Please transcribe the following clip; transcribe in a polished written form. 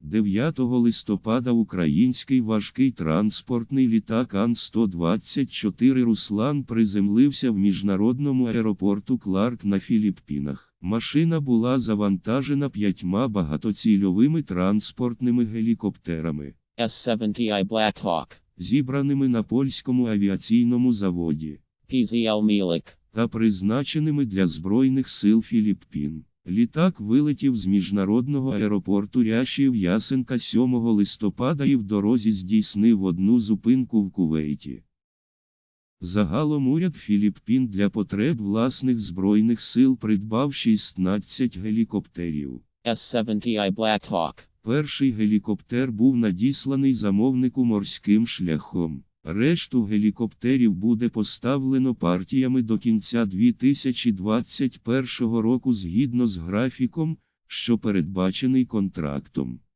9 листопада український важкий транспортний літак Ан-124 «Руслан» приземлився в міжнародному аеропорту Кларк на Філіппінах. Машина була завантажена 5 багатоцільовими транспортними гелікоптерами S-70i Black Hawk, зібраними на польському авіаційному заводі PZL Mielik, та призначеними для Збройних сил Філіппін. Літак вилетів з міжнародного аеропорту Ряшів-Ясенка 7 листопада і в дорозі здійснив одну зупинку в Кувейті. Загалом уряд Філіппін для потреб власних збройних сил придбав 16 гелікоптерів. S-70i Black Hawk, Перший гелікоптер був надісланий замовнику морським шляхом. Решту гелікоптерів буде поставлено партіями до кінця 2021 року згідно з графіком, що передбачений контрактом.